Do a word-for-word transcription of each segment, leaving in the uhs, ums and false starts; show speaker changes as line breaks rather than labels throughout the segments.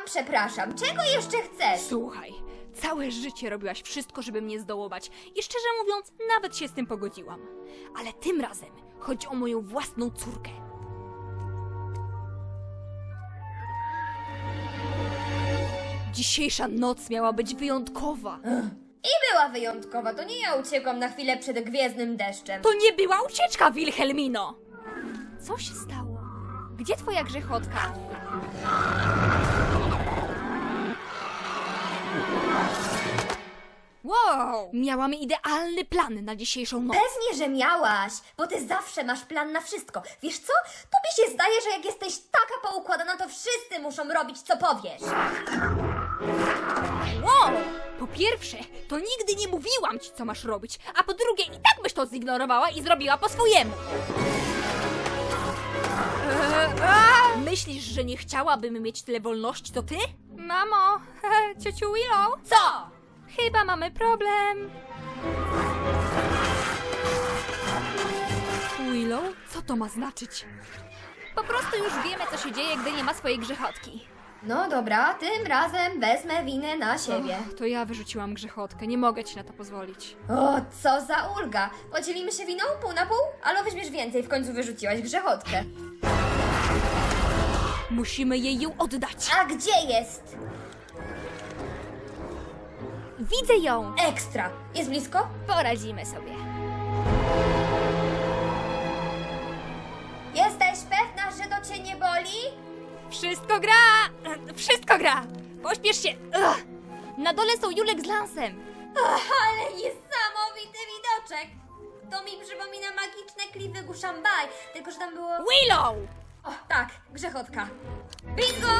przepraszam, czego jeszcze chcesz?
Słuchaj, całe życie robiłaś wszystko, żeby mnie zdołować i szczerze mówiąc, nawet się z tym pogodziłam. Ale tym razem chodzi o moją własną córkę. Dzisiejsza noc miała być wyjątkowa.
I była wyjątkowa, to nie ja uciekłam na chwilę przed gwiezdnym deszczem.
To nie była ucieczka, Wilhelmino! Co się stało? Gdzie twoja grzechotka? Wow! Miałam idealny plan na dzisiejszą noc.
Pewnie, że miałaś, bo ty zawsze masz plan na wszystko. Wiesz co? Tobie się zdaje, że jak jesteś taka poukładana, to wszyscy muszą robić, co powiesz.
Wow! Po pierwsze, to nigdy nie mówiłam ci, co masz robić, a po drugie, i tak byś to zignorowała i zrobiła po swojemu. Eee, a! Myślisz, że nie chciałabym mieć tyle wolności, to ty? Mamo, ciociu Willow?
Co?
Chyba mamy problem. Willow? Co to ma znaczyć? Po prostu już wiemy, co się dzieje, gdy nie ma swojej grzechotki.
No dobra, tym razem wezmę winę na siebie.
To ja wyrzuciłam grzechotkę, nie mogę ci na to pozwolić.
O, co za ulga! Podzielimy się winą pół na pół? Ale weźmiesz więcej, w końcu wyrzuciłaś grzechotkę.
Musimy jej ją oddać.
A gdzie jest?
Widzę ją.
Ekstra. Jest blisko?
Poradzimy sobie.
Jesteś pewna, że to cię nie boli?
Wszystko gra! Wszystko gra! Pośpiesz się! Ugh. Na dole są Julek z Lansem.
Ach, ale niesamowity widoczek! To mi przypomina magiczne klify Guszambaj, tylko że tam było...
Willow!
O, tak, grzechotka. Bingo!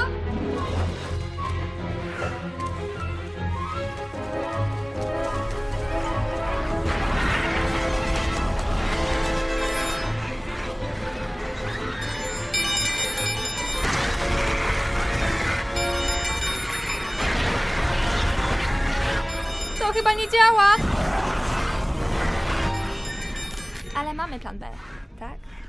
To chyba nie działa. Ale mamy plan B, tak?